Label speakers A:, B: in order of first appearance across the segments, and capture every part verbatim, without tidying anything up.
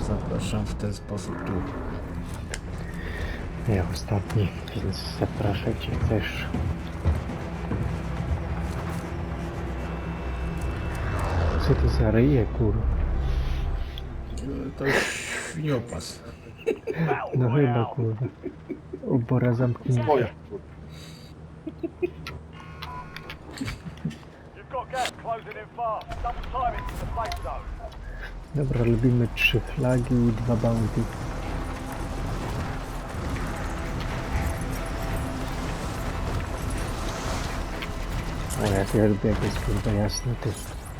A: zapraszam w ten sposób tu.
B: Ja ostatni, więc zapraszajcie też. Co to za ryje, kurwa?
A: To jest świniopas.
B: No chyba, kurwa. Obora zamknięta.
C: Moja.
D: You've got gas closing in fast. Double time it to the safe zone.
B: Dobra, lubimy trzy flagi i dwa bounty. O, jak ja lubię, jak jest kurwa jasno, ty.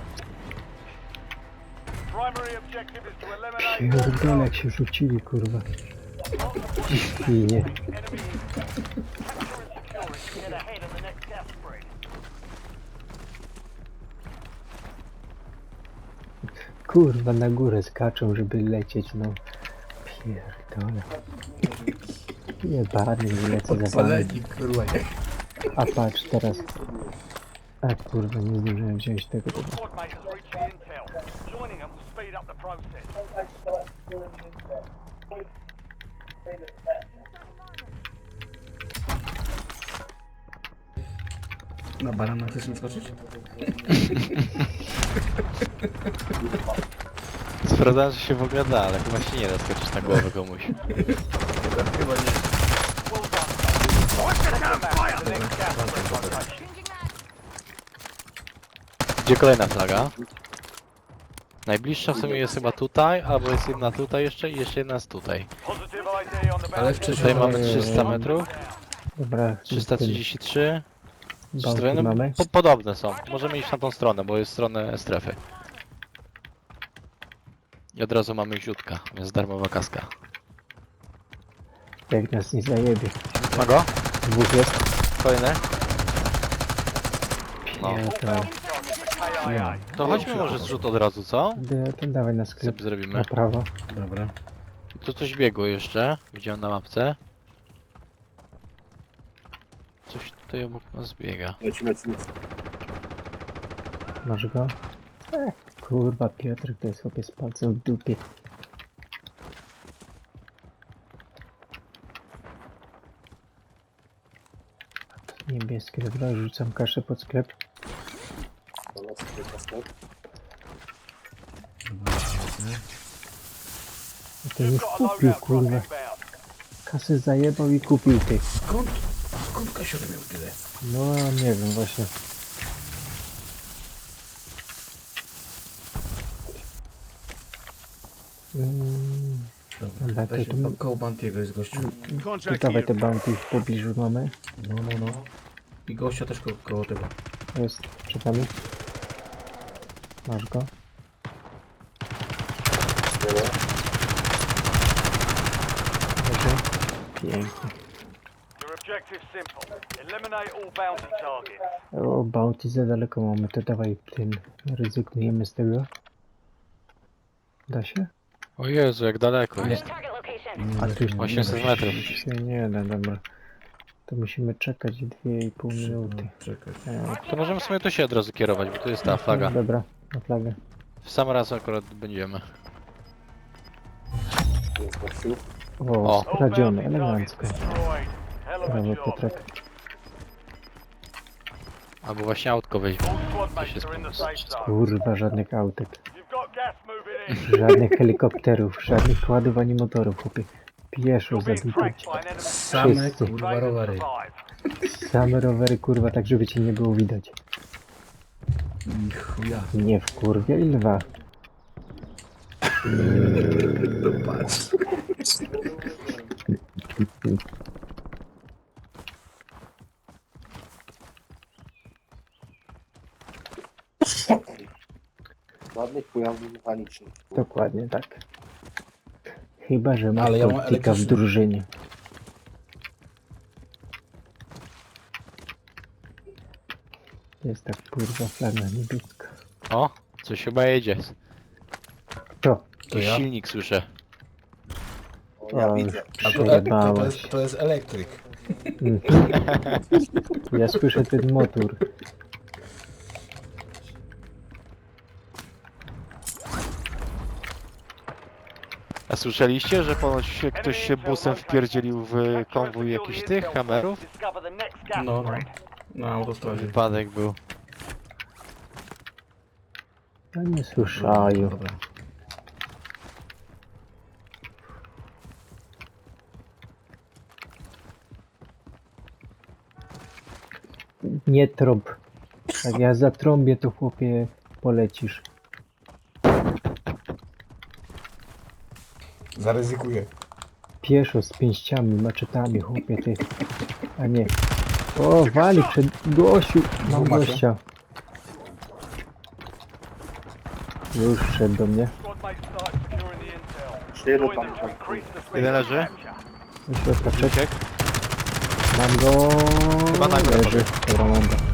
D: Primary objective is to eliminate all
B: Pierdolę, jak się rzucili, kurwa. Świnie.
D: enemy. Capture and secure it to get ahead of the next gas spread.
B: Kurwa, na górę skaczą, żeby lecieć, no. Pierdolę. Jebany, nie lecę za wami.
A: Podpaleni, kurwa, nie?
B: A patrz, teraz. A kurwa, nie zdążyłem wziąć tego. tego.
D: Squad mate has reached the intel. Joining them will speed up the process.
A: Na barana chcesz mi skoczyć?
C: Sprawdzałem, że się w ogóle da, ale chyba się nie da skoczyć na głowę komuś.
A: Chyba nie.
D: Well done. Watch the damn fire! The next gas spread location.
C: Gdzie kolejna flaga? Najbliższa w sumie jest chyba tutaj, albo jest jedna tutaj jeszcze i jeszcze jedna jest tutaj.
D: Positive I D on the
A: Ale
D: bounty.
A: wcześniej
C: Tutaj mamy trzysta metrów,
B: Dobra,
C: trzysta trzydzieści trzy.
B: bounty
C: No,
B: mamy.
C: po, podobne są. Możemy iść na tą stronę, bo jest stronę strefy. I od razu mamy źródka, więc darmowa kaska.
B: Jak nas nie zajebie.
C: Ma go?
B: Dwóch jest.
C: Kolejny? No.
B: Pierdolę.
D: K I A.
C: To chodźmy może zrzut od razu, co?
B: Da- To dawaj na sklep.
C: Sobie zrobimy.
B: Na prawo.
A: Dobra.
C: Tu coś biegło jeszcze, widziałem na mapce. Coś tutaj obok nas biega.
E: Lecimy, lecimy.
B: Masz go? Ech, kurwa, Piotr, to jest chłopie z palcem w dupie. Niebieskie, dobra, rzucam kaszę pod sklep.
E: Dobra, sklep, na sklep.
B: A ten już kupił, kurwa. Kasę zajebał i kupił ty.
A: Skąd? Skąd Kasior miał tyle?
B: No, nie wiem, właśnie. Mm, Dobra, to,
A: Weź
B: to,
A: ko- koło Bantiego jest gościu.
B: to dawaj te bounty w pobliżu mamy.
A: No, no, no. I gościa też ko koło tego.
B: Jest przed nami. Masz go.
E: Dobra.
B: Dobrze. Pięknie.
D: Your objective simple. Eliminate all bounty targets.
B: O, bounty za daleko mamy, to dawaj tym. Rezygnujemy z tego. Da się?
C: O Jezu, jak daleko jest.
B: A tu już
C: osiemset
B: nie,
C: metrów.
B: się nie da, dobra. To musimy czekać dwie i pół minuty.
A: Czekaj.
B: E,
C: To możemy sobie tu się od razu kierować, bo tu jest ta flaga.
B: Dobra, na flagę.
C: W sam raz akurat będziemy.
E: Jest gościu.
B: O,
C: O.
B: skradziony,
D: All bounty targets
B: elegancko.
D: destroyed. Hell of a
B: Brawo,
D: job.
B: Piotrek.
C: Albo właśnie autko weźmie.
D: All squad
C: To
D: mates
C: się
D: are in the
C: spoko.
D: safe zone.
B: Kurwa, żadnych autek.
D: You've got gas moving in.
B: Żadnych helikopterów, żadnych kładów ani motorów, chłopie. Pieszo
D: You're being
B: zabity.
D: tracked by an enemy.
A: Same
B: Wszyscy.
A: kurwa
D: Save and
A: rowery.
D: survive.
B: Same rowery, kurwa, tak żeby cię nie było widać.
A: I chuja.
B: Nie wkurwiaj lwa.
A: To patrz.
E: Żadnych pojazdów mechanicznych.
B: Dokładnie tak. Chyba, że masz
A: Ale ja mam
B: optyka w
A: elektryczny.
B: drużynie. Jest tak kurwa flaga niebieska.
C: O, coś chyba jedzie.
B: To.
A: To
C: Jakiś
A: ja?
C: silnik słyszę.
E: O, ja
B: O,
E: widzę.
A: A to, to,
B: przejebałeś.
A: jest, to jest elektryk.
B: Mm. Ja słyszę ten motor.
C: A słyszeliście, że ponoć się ktoś się busem wpierdzielił w konwój jakichś tych kamerów?
D: Discover the next gas
A: No, no.
D: spread.
A: Na autostradzie.
C: Wypadek był.
B: Ja nie słyszają.
A: Dobra.
B: Nie trąb. Jak ja zatrąbię, to chłopie polecisz.
A: Zaryzykuję.
B: Pieszo z pięściami, maczetami, chłopie ty. A nie. O, wali przed gościu. Mam
A: Dwóch macie?
B: gościa. Już szedł do mnie.
D: Squad mates start securing the intel.
E: Jeszcze jeden
D: Join
E: tam
D: them to
E: tam.
D: increase the speed
C: Jeden
D: of
C: leży.
D: capture.
B: Do środka wszedł.
C: Uciekł.
B: Mam go.
C: Chyba na górę
B: Leży. Dobra, mam go.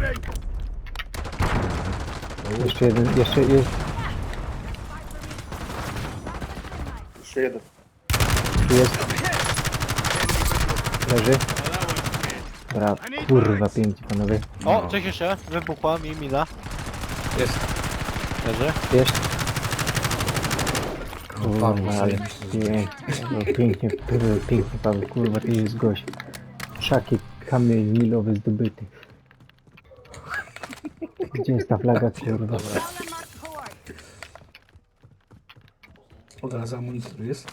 B: Jeszcze jeden, jeszcze jest.
E: Jeszcze jeden.
B: Tu jest. Leży. Dobra, kurwa, pięknie panowie.
C: O, coś jeszcze. Wybuchła mi mina.
A: Jest.
C: Leży.
B: Jest.
A: No, Paweł,
B: Kurwa, ale
A: zajebiście.
B: pięknie, no, pięknie, pięknie, pięknie, Paweł, kurwa, to jest gość. Szaki, kamień milowy zdobyty. Gdzie jest ta flaga, kurwa?
A: Od razu amunicji tu jest.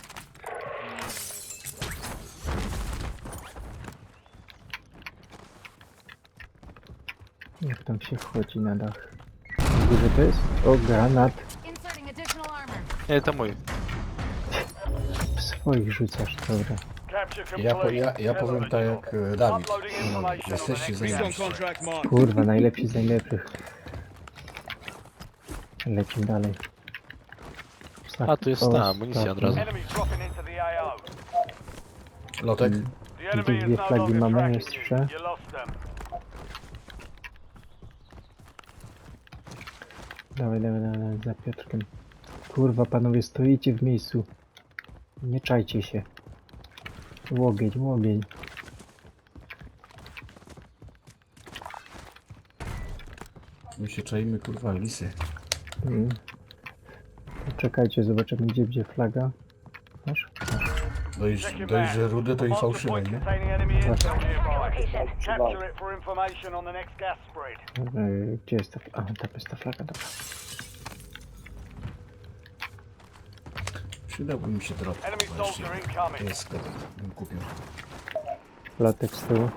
B: Jak tam się wchodzi na dach? Gdzie to jest? O, granat.
F: Inserting additional armor.
C: Nie, to mój.
B: W swoich rzucasz, dobra.
D: Capture
A: Ja, po,
D: complete.
A: ja, ja powiem tak jak e, Dawid.
D: Uploading
A: No,
D: information on
A: jesteście
D: the next
A: zajebiści.
G: Contract mark.
B: Kurwa, najlepsi z najlepszych. Lecimy dalej.
C: A, tu jest
B: O,
C: ta amunicja od razu.
D: Enemies dropping into the A O.
A: Lotek?
D: The enemy is
B: dwie
D: no
B: flagi
D: longer
B: mamy,
D: tracking
B: jest
D: you.
B: trzy.
D: You lost them.
B: Dawaj, dawaj, dawaj, dawaj, za Piotrkiem. Kurwa, panowie, stoicie w miejscu. Nie czajcie się. Łogień, łogień.
A: My się czajmy, kurwa, lisy.
B: Mm. Czekajcie, zobaczymy gdzie będzie flaga. Masz?
A: Dość, dość że rude to i
D: Mark the
A: fałszywe,
D: point
A: nie?
D: containing enemy intel nearby.
E: Location.
D: Capture it for information on the next gas spread.
B: Yy, gdzie jest ta flaga? A, tam jest ta flaga, dobra.
A: Przydałby mi się drop.
D: Enemy
A: Właśnie.
D: soldier incoming.
A: To jest sklepek, bym kupił.
B: Latek z tyłu.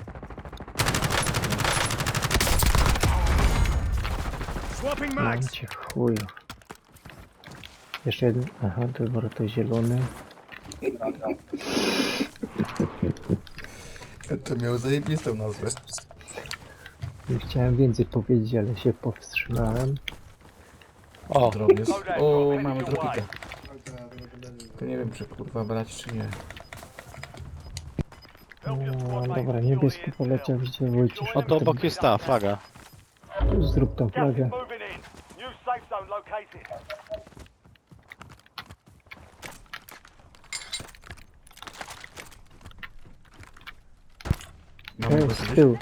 G: Swapping
B: Mam
G: mags.
B: cię chuju. Jeszcze jeden. Aha, dobra, to zielony.
A: To miał zajebistą nazwę.
B: I chciałem więcej powiedzieć, ale się powstrzymałem.
C: O,
A: Drop jest. O, mamy dropika. To nie wiem, czy kurwa brać, czy nie.
B: No, dobra, niebieski poleciał, gdzie Wojciech.
C: o to obok jest ta flaga.
B: Zrób tą
D: Gas
B: flagę.
D: is moving in. New safe zone located.
A: Mamy
B: Ej,
A: go
B: z
A: gdzieś?
B: tyłu.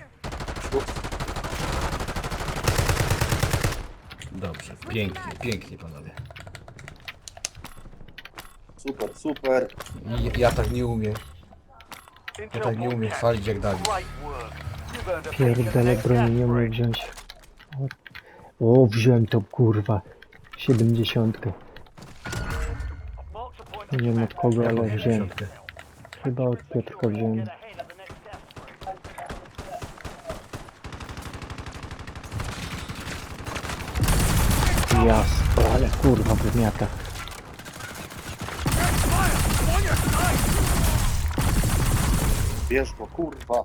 A: Dobrze, pięknie, pięknie panowie.
E: Super, super.
A: I, ja tak nie umiem. Ja
D: Intel
A: tak nie umiem
D: broadcast.
A: chwalić jak Dawid.
D: Great work. You've earned a pick of the
B: Pierdolę,
D: next gas
B: broni nie umiem
D: spread.
B: wziąć. O, wziąłem tą kurwa. Siedemdziesiątkę.
D: Mark the point
B: Nie
D: of
B: wiem od kogo,
A: Jaką
B: ale wziąłem.
A: dziesiątkę?
B: Chyba od Piotrka wziąłem.
D: Get ahead of the next gas spread.
B: Jasno, ale kurwa wymiata.
E: Bierz go, kurwa.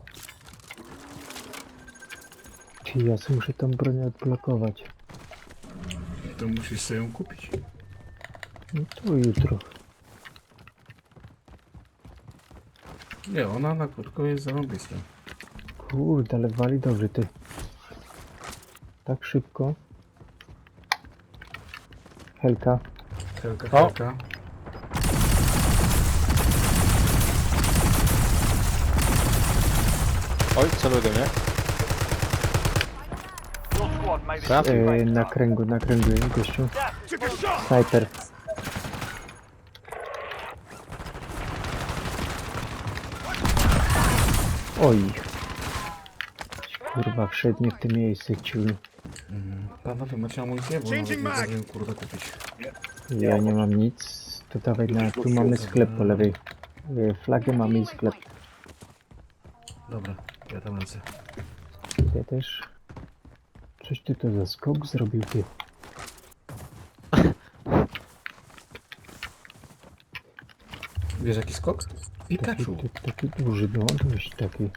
B: Ty, ja sobie muszę tą broń odblokować.
A: To musisz sobie ją kupić.
B: No to jutro.
A: Nie, ona na krótko jest zarąbista.
B: Kurde, ale wali dobrze ty. Tak szybko. Helka.
A: Helka,
C: O!
A: helka.
C: Oj, celuj do mnie.
D: Your squad made it
C: Traf.
D: to the
B: E,
D: safe
B: na
D: zone.
B: kręgu, na kręgu jest gościu.
D: Gas is moving.
B: Sniper. Oj. Kurwa, wszedł nie w tym miejscu, ciul.
A: Mm, Panowie, macie amunicję? Bo nawet
G: Changing
A: nie
G: mag.
A: zdążyłem kurde kupić.
B: Ja nie mam nic. To dawaj na... Tu mamy sklep po lewej. Y, Flagę mamy i sklep.
A: Dobra, ja tam lecę.
B: Ja też. Coś ty to za skok zrobił, ty.
A: Wiesz jaki skok?
B: Taki,
A: Pikachu.
B: taki, taki duży, no dość taki.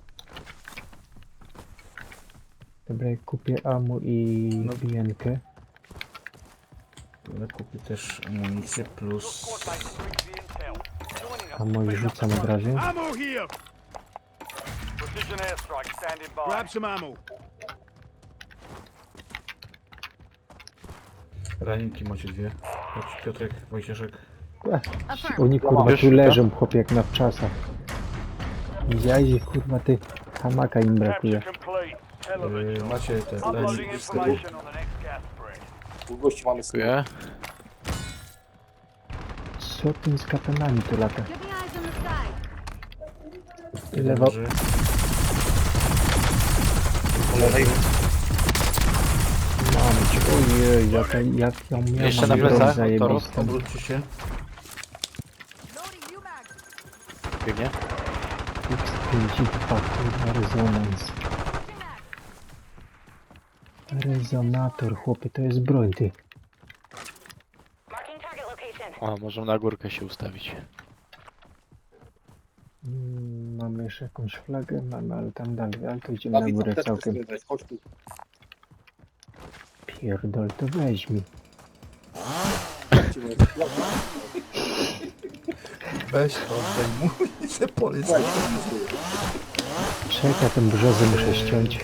B: Dobra, ja kupię amu i
A: No.
B: bijenkę.
A: Ale kupię też amunicję plus...
D: Squad mates reach the intel. Joining us.
B: Amo i rzucam od razu.
G: Ammo here.
D: Precision airstrike standing by.
G: Grab some ammo.
A: Raniki macie dwie. Chodź, Piotrek, Wojcieszek.
B: Oni kurwa
C: Wiesz,
B: tu
C: to?
B: leżą, chłopie, jak na wczasach. Widziałeś, że kurwa ty hamaka im brakuje.
D: Capture complete. Hell of a
A: Yy,
D: job.
A: macie te
D: Uploading
A: raniki z tyłu.
D: information on the next gas spread.
E: Tu gości mamy sklep.
C: Dziękuję.
B: Co tym z katanami tu lata?
F: Keeping eyes on the side.
A: Jeden
B: Lewo.
A: leży.
E: Po lewej.
B: Mamy cię, ojej, jak, jak ja miałem
C: Jeszcze na
B: broń
C: plecach,
B: zajebistą.
A: Obróćcie się.
F: Loading new mag.
C: Biegnie.
B: X pięćdziesiąt dwa, kurwa, rezonans. Rezonator, chłopie, to jest broń, ty.
F: Marking target location.
C: O, możemy na górkę się ustawić.
B: Mm, mamy jeszcze jakąś flagę, mamy, ale tam dalej, ale to idziemy na
E: Dawid,
B: górę
E: apteczkę
B: całkiem.
E: sprzedać. Chodź tu.
B: Pierdol, to weź mi.
E: Chodźcie, bo jest sklep.
A: Weź, oddaj mu i se polec.
E: Słuchaj, co tu jest?
B: Czekaj, ten brzozę muszę ściąć.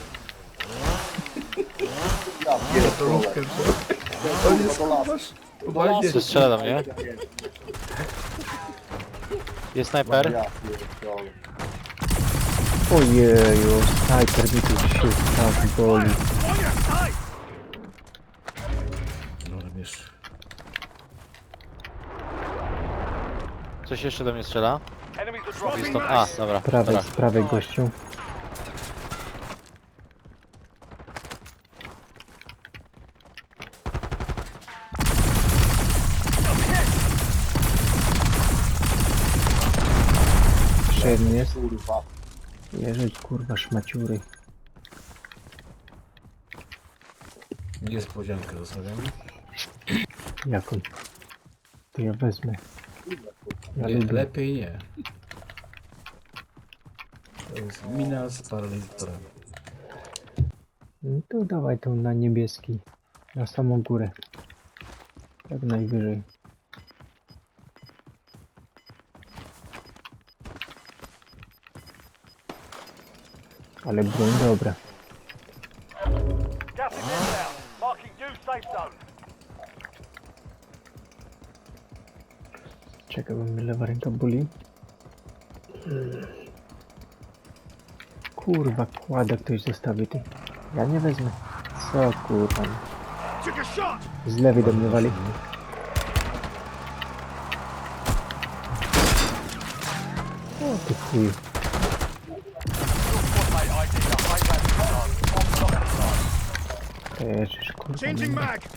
E: Ja pierdolę.
A: To jest
E: Do lasu.
A: masz.
E: Do lasu.
C: Co strzela do mnie? Jest snajper?
E: Ja pierdolę.
B: Ojeju, snajper mi tu się tak boli.
G: On your side.
A: No wiesz.
C: Coś jeszcze do mnie strzela?
D: Enemies are
C: I
D: dropping.
C: stąd... A, dobra.
B: Prawej,
C: dobra.
B: z prawej gościu. Jeszcze jeden jest.
E: Kurwa.
B: Leżeć, kurwa, szmaciury.
A: Niespodziankę zostawiamy.
B: Jaką? To ja wezmę. Ja
A: Nie,
B: lubię.
A: lepiej nie. To jest mina z paralizatorem.
B: No to dawaj tą na niebieski. Na samą górę. Tak najwyżej. Ale broń dobra.
D: Gas is inbound. Marking new safe zone.
B: Czekaj, bo mnie lewa ręka boli. Mm. Kurwa, kłada ktoś zostawi ty. Ja nie wezmę. Co kurwa.
G: Took a shot.
B: Z lewej do mnie wali. O ty chuj.
D: Squad mate I D the high value zone. On block side.
B: Też kurwa.
G: Changing
B: nie.
G: mag.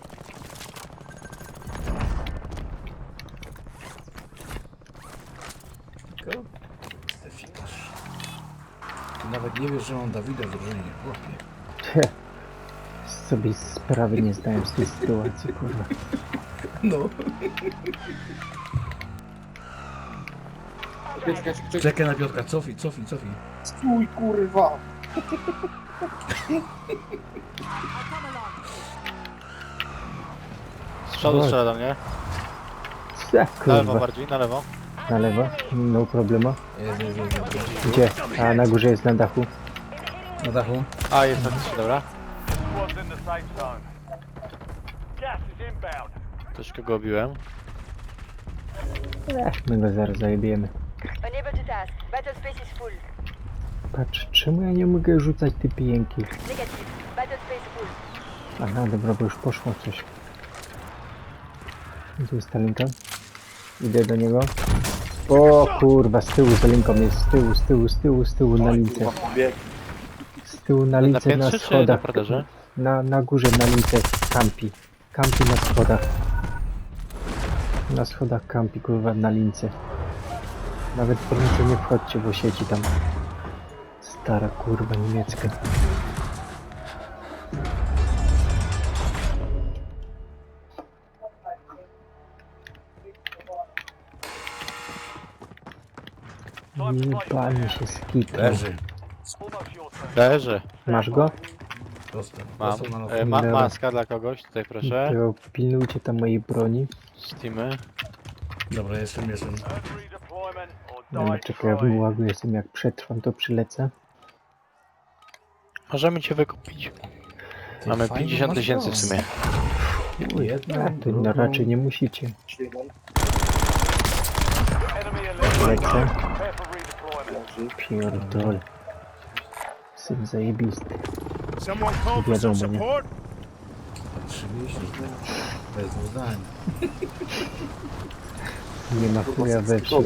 A: Tylko Stefikarz. Ty nawet nie wiesz, że mam Dawida w drużynie, chłopie.
B: Heh. Sobie sprawy nie zdałem z tej sytuacji, kurwa.
A: No.
E: Czekaj, czekaj, czekaj.
A: Czekaj na Piotrka, cofnij, cofnij, cofnij.
E: Stój, kurwa.
C: Z przodu strzela do mnie.
B: Ja,
C: Na lewo
B: kurwa.
C: bardziej, na lewo.
B: Na lewo? No problema.
A: Jest, jest, jest, jest.
B: Gdzie? A na górze jest na dachu.
A: Na dachu?
C: A, jest faktycznie, dobra.
D: Squad's in the safe zone. Gas is inbound.
C: Troszkę go obiłem.
B: Ech, my go zaraz zajebiemy.
F: Unable to task. Battle space is full.
B: Patrz, czemu ja nie mogę rzucać ty pijenki?
F: Negative. Battle space full.
B: Aha, dobra, bo już poszło coś. Tu jest ta linka. Idę do niego. O kurwa, z tyłu za linką jest, z tyłu, z tyłu, z tyłu, z tyłu na lince.
E: Bieg.
B: Z tyłu na
C: Na
B: lince na
C: piętrze czy na
B: schodach.
C: parterze?
B: Na, na górze na lince kampi. Kampi na schodach. Na schodach kampi kurwa na lince. Nawet po lince nie wchodźcie, bo siedzi tam. Stara kurwa niemiecka. Jebanie się skitnął.
A: Leży.
D: Almost your turn.
C: Leży.
B: Masz go?
A: Dostał.
C: Mam.
A: Dostał na
C: E, ma, maska dla kogoś, tutaj proszę.
B: To pilnujcie tam mojej broni.
C: Steamy.
A: Dobra, jestem, jestem.
D: Earn redeployment or
B: Dobra,
D: die
B: czekaj, ja w
D: trying.
B: łagu jestem, jak przetrwam to przylecę.
C: Możemy cię wykupić.
A: Ty
C: Mamy
A: fajną
C: pięćdziesiąt
A: masz
C: tysięcy w
A: broń.
C: sumie.
A: Jedną,
B: A, to no,
A: drugą.
B: raczej nie musicie.
E: Śliwą.
D: Enemy eliminated.
B: Lecę.
D: Prepare for redeployment.
E: Leży.
B: Pierdol. Syn zajebisty.
G: Someone call for some
B: Wiadomo, nie?
G: support?
A: Oczywiście, bez zdań.
B: Nie ma chuja we wsi.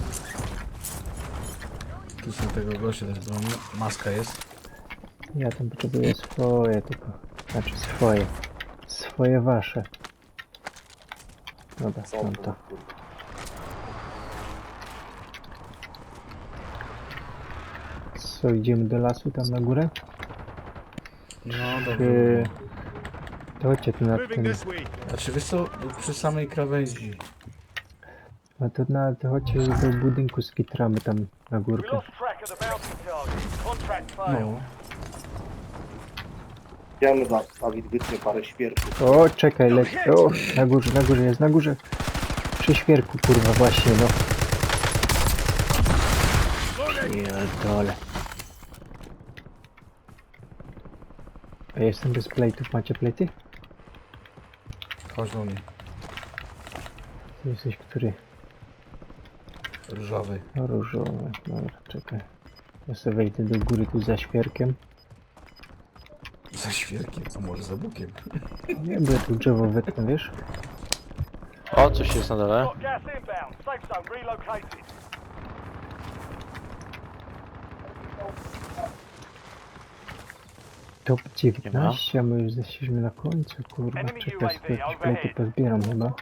A: Tu są tego gościa też broni. Maska jest.
B: Ja tam potrzebuję swoje tylko. Znaczy swoje. Swoje wasze. Dobra, mam to. Co, idziemy do lasu tam na górę?
A: No dobrze.
B: Czy... To chodźcie tu na
G: Moving
B: ten...
G: this way.
A: Znaczy wiesz co, przy samej krawędzi.
B: No to na... To chodźcie do budynku skitramy tam na
D: We
B: górkę.
D: lost track of the bounty target. Contract failed.
A: No.
E: Chciałem za Dawid wytnie parę świerków.
B: O, czekaj, leć. O, na górze, na górze jest, na górze. Przy świerku, kurwa, właśnie, no. Pierdole. A jestem bez plejtów, macie plejty?
A: Chodź do mnie.
B: Ty jesteś który?
A: Różowy.
B: No, różowy. Dobra, czekaj. Ja sobie wejdę do góry tu za świerkiem.
A: Za świerkiem, a może za bukiem.
B: Nie, bo ja tu drzewo wetnę, wiesz?
C: O, coś jest na dole.
D: Got gas inbound. Safe zone relocated.
B: Top dziewiętnaście, a my już jesteśmy na końcu, kurwa.
D: Enemy
B: Czekaj,
D: U A V
B: sobie jakieś
D: overhead.
B: plejty pozbieram chyba.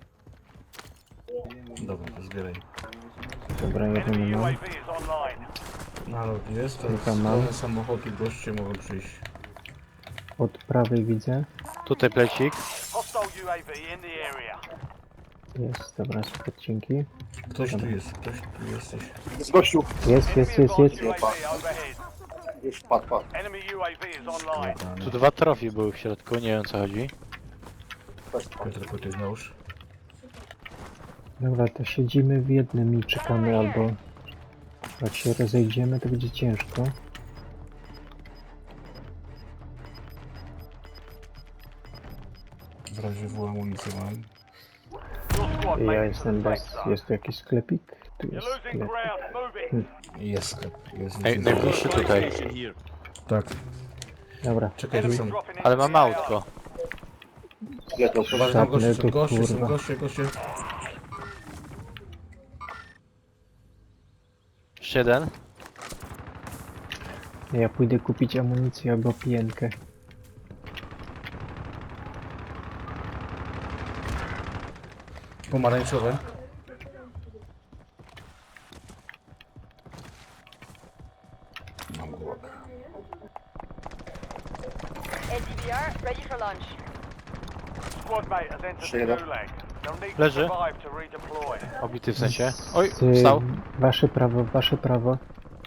A: Dobra, to zbieraj.
B: Dobra, jeden
D: Enemy U A
B: mam.
D: V is online.
A: Nalot jest,
B: Tam
A: teraz
B: mam.
A: pełne samochody, goście mogą przyjść.
B: Od prawej widzę.
C: Tutaj plecik.
D: Hostile U A V in the area.
B: Jest, dobra, super, dzięki.
A: Ktoś tu jest, ktoś tu jesteś.
E: Z gościu.
B: Jest, jest, jest, jest.
D: U A V overhead.
E: Już padł, padł.
D: Enemy U A V is online.
C: Tu
A: Dobra,
C: dwa trofy były w środku, nie wiem o co chodzi.
E: Też padł.
A: Piotr, tylko ty znałeś.
B: Dobra, to siedzimy w jednym i czekamy, albo jak się rozejdziemy, to będzie ciężko.
A: W razie w amunicję mam.
D: Your squad
B: Ja
D: made it to
B: jestem
D: the
B: bez...
D: safe zone.
B: Jest tu jakiś sklepik? Tu
D: You're
B: jest
D: losing
B: sklep.
D: ground. Moving.
A: Jest sklep, jest.
C: Ej,
A: jest.
C: najbliższy tutaj.
A: Tak,
B: Dobra,
A: czekaj, tu są.
D: Dropping
C: Ale
D: into
C: mam
D: the
C: autko.
E: Lecą.
A: Uważaj, tam goście, są
B: Zapnę to,
A: goście, są
B: kurwa.
A: goście, goście.
C: Jeszcze jeden.
B: ja pójdę kupić amunicję albo pijenkę.
A: Pomarańczowe. Mam głowę.
F: L D V R, ready for launch.
D: squad mate has entered the
E: Shit.
D: gulag. They'll need to
C: Leży.
D: survive to redeploy.
C: Obity w sensie. Oj,
B: Z-
C: wstał.
B: Wasze prawo, wasze prawo.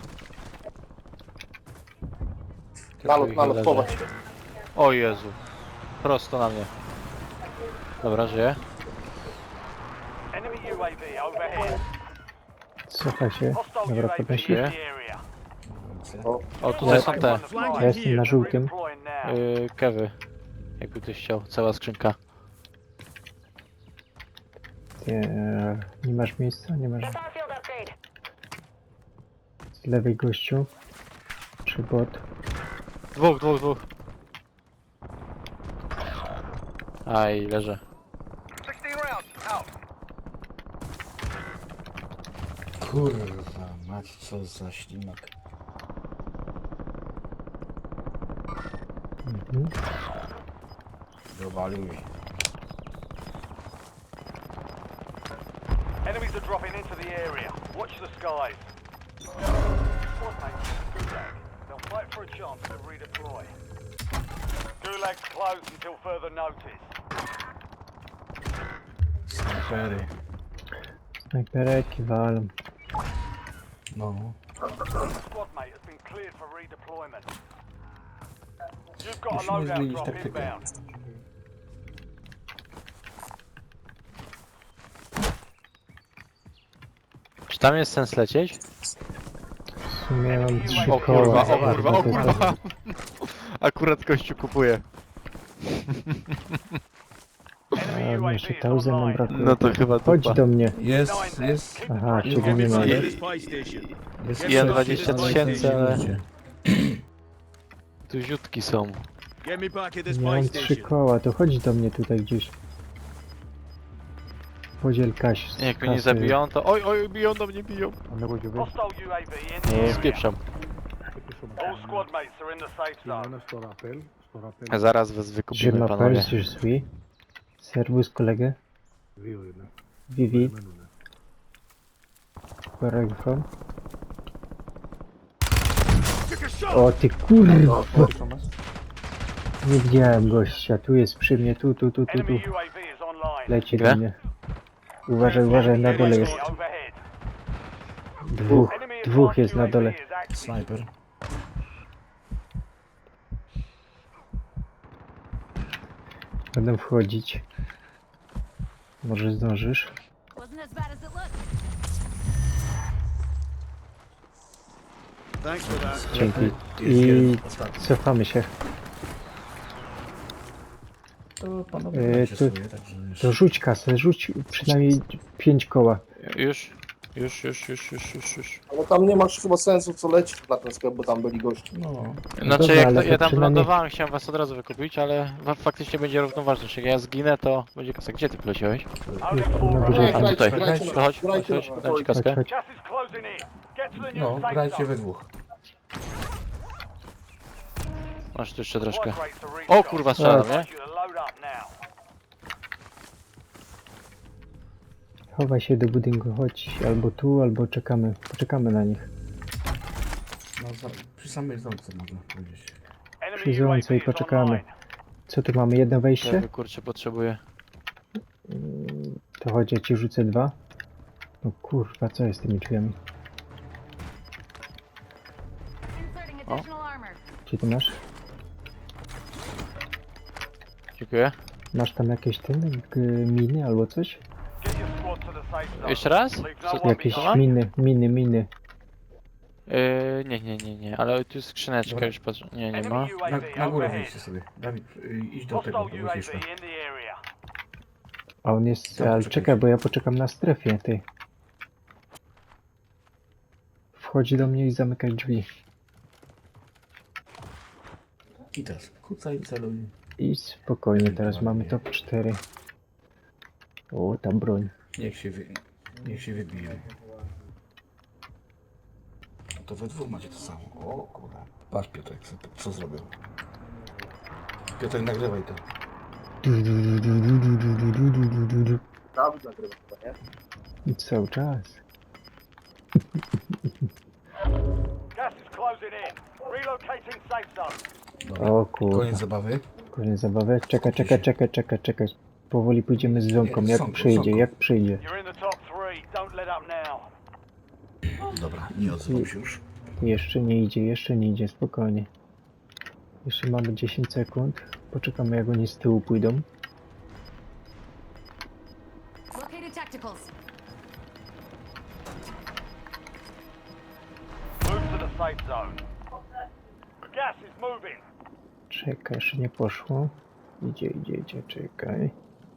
E: Nalot, nalot,
C: Leży.
E: chować się.
C: O Jezu. Prosto na mnie. Dobra, żyję.
D: Enemy U A V overhead.
B: Cofaj się.
D: Hostile U
B: Dobra,
D: A V in
B: podnosi.
C: się.
D: the area.
C: O, tutaj są te.
B: Ja jestem na żółtym.
D: Redeploying now.
C: Yy, kewy. Jakby ktoś chciał. Cała skrzynka.
B: Nie, nie masz miejsca? Nie masz.
F: Starfield upgrade.
B: Z lewej gościu. Czy bot?
C: Dwóch, dwóch, dwóch. Aj, leżę.
D: sixteen rounds. Out.
A: Kurwa, mać co za ślimak.
B: Mhm.
A: Dowalił mi.
D: Enemies are dropping into the area. Watch the skies. Squad mates in Gulag. They'll fight for a chance to redeploy. Gulag's closed until further notice.
A: Snajpery.
B: Snajpereki walą.
A: No.
D: Squad mate has been cleared for redeployment. You've got a
A: Musimy
D: loadout
A: zmienić
D: drop
A: taktykę.
D: inbound.
C: Czy tam jest sens lecieć?
B: W sumie mam trzy
C: O
B: koła.
C: kurwa, o kurwa, o
B: to-
C: kurwa. Akurat gościu kupuje.
D: Enemy
B: A,
D: U A V
B: jeszcze
D: is
B: tauzy nam
D: online.
B: brakuje.
C: No to chyba
B: Chodź
C: dupa.
B: do mnie.
A: Jest, jest.
B: Aha,
A: Jest
B: ciebie nie ma.
A: jest-
G: This buy station.
A: jest
C: Jen
A: coś,
C: dwadzieścia
A: ale
C: tysięcy, ale-
A: ludzie.
C: Tu ziutki są.
G: Get me back at this
B: Ja
G: buy
B: mam trzy
G: station.
B: koła, to chodź do mnie tutaj gdzieś. Podziel kaś.
C: Jak mnie nie
B: kasy.
C: zabiją, to oj, oj, biją do mnie, biją.
D: Hostile U A V in the
C: Nie,
D: area.
C: spieprzam.
D: All squad mates are in the safe zone.
C: A zaraz was
B: Je
C: wykupimy,
B: m'appelle,
C: panowie.
B: je suis. Servus kolegę. Vivi. Where are you from? O ty kurwa! Nie widziałem gościa, tu jest przy mnie, tu, tu, tu, tu, tu.
D: Enemy U A V is online.
B: Leci
C: Gdzie?
B: do mnie. Uważaj, uważaj, na dole jest.
D: Overhead.
B: Dwóch,
D: Enemy
B: dwóch jest
D: advanced
B: na
D: U A V
B: dole.
D: is active.
A: Snajper.
B: Będę wchodzić. Może zdążysz?
F: Wasn't as bad as it looked.
G: Thanks for that.
B: Dzięki.
A: Jest
B: I
A: jeden, ostatni.
B: cofamy się.
A: To panowie
B: Yy,
A: macie
B: to-
A: swoje, także już.
B: To rzuć kasę, rzuć przynajmniej pięć koła.
C: Już, już, już, już, już, już, już.
E: Ale tam nie masz chyba sensu co lecieć na ten sklep, bo tam byli goście.
A: No.
C: Znaczy,
B: dobra,
C: jak
B: ale
C: to,
B: to
C: ja tam
B: przynajmniej-
C: lądowałem, chciałem was od razu wykupić, ale wa- faktycznie będzie równoważność. Jak ja zginę, to będzie kasa. Gdzie ty poleciałeś?
D: Only
B: Na
D: four
B: górze
D: remain.
B: tam.
E: Grajcie,
C: tutaj.
E: grajcie,
C: To chodź, chodź,
E: grajcie,
C: chodź,
E: grajcie.
C: dam ci kaskę.
B: Chodź,
D: Gas is closing in. Get to the
A: No,
D: new safe
A: grajcie
D: zone.
A: we dwóch.
C: Masz tu jeszcze troszkę.
D: Squad rates are
C: O
D: restocked.
C: kurwa, strzelam, nie?
D: Want you to load up now.
B: Chowaj się do budynku, chodź albo tu, albo czekamy. Poczekamy na nich.
A: No, za, przy samej zamce można powiedzieć.
D: Enemy
B: Przy
D: U A V
B: złące i
D: is
B: poczekamy.
D: online.
B: Co tu mamy? Jedno
C: Ja
B: wejście?
C: kurczę potrzebuję.
B: To chodź, ja ci rzucę dwa. No kurwa, co jest z tymi drzwiami?
F: Inserting additional armor.
B: Gdzie ty masz?
C: Dziękuję.
B: Masz tam jakieś ten, g- miny albo coś?
D: Get your squad to the safe zone.
C: Jeszcze raz?
D: Leave no
C: Co-
D: one
B: Jakieś
D: behind.
B: miny, miny, miny.
C: Yy, nie, nie, nie, nie, ale tu jest skrzyneczka,
A: Dobra.
C: już patrzę. Nie, nie
D: Enemy
C: ma.
D: U A
A: Na,
D: V
A: na górę
D: overhead.
A: wyjdźcie sobie. Dawid, y, idź do tego,
D: Hostile
A: do
D: U A V
A: wycieczka.
D: in the area.
B: A on jest,
A: Dobra,
B: ale
A: czekaj.
B: czekaj, bo ja poczekam na strefie, ty. Wchodzi do mnie i zamykaj drzwi.
A: I teraz kucaj i celuj.
B: I spokojnie, teraz mamy top cztery. O, tam broń.
A: Niech się, wy, niech się wybije. No to we dwóch macie to samo. O kurwa. Patrz Piotrek, co, co zrobił. Piotrek, nagrywaj to.
E: Dawid nagrywa chyba, nie?
B: I cały czas.
D: Gas is closing in. Relocating safe zone.
A: Dobra.
B: O kurwa.
A: Koniec zabawy.
B: Koniec zabawy. Czekaj, czekaj, czekaj, czekaj, czekaj. Powoli pójdziemy z ząbką,
A: Nie,
B: jak
A: ząbką,
B: przyjdzie,
A: ząbką.
B: jak przyjdzie.
D: You're in the top three. Don't let up now.
A: Dobra, nie odzywam się już.
B: Jeszcze nie idzie, jeszcze nie idzie, spokojnie. Jeszcze mamy dziesięć sekund. Poczekamy, jak oni z tyłu pójdą.
F: Located tacticals.
D: Move to the safe zone. Gas is moving.
B: Czekaj, jeszcze nie poszło. Idzie, idzie, idzie, czekaj.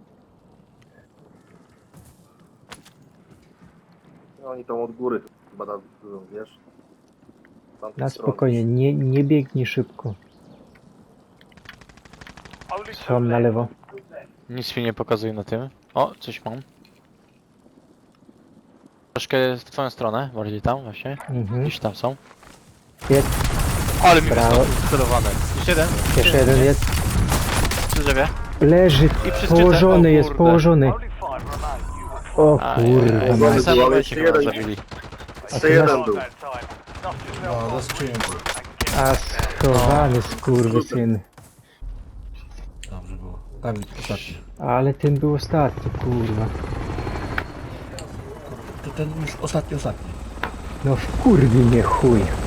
E: No, oni tam od góry chyba tam, wiesz. z tamtej
B: Na
E: strony.
B: spokojnie, nie, nie biegnij szybko.
D: Only two
B: Są na
D: left.
B: lewo.
C: Nic mi nie pokazuje na tym. O, coś mam. Troszkę w twoją stronę, bardziej tam właśnie.
B: Mhm.
C: Gdzieś tam są.
B: Jest,
C: Ale mi
B: Brawo.
C: wystarczy sterowane. Jeszcze jeden.
B: jeszcze jeden jest.
C: Przy drzewie.
B: Leży,
C: przy
B: położony
C: szczycie, o
B: jest,
C: kurde.
B: położony.
D: Only five remain. You will
B: O
C: A,
B: kurwa,
C: W
E: Położony
C: tym
B: mać.
C: samym
E: był, ale
C: momencie
E: jeszcze
C: chyba
E: jeden.
C: zabili.
E: Jeszcze jeden był.
D: that time. Dust yourself
A: No, za
D: off
A: skrzynią był.
D: and get
B: A schowany skurwysyn.
A: Dobrze było. Dawid, ostatni.
B: Ale ten był ostatni, kurwa.
A: To ten już ostatni, ostatni.
B: No wkurwi mnie chuj.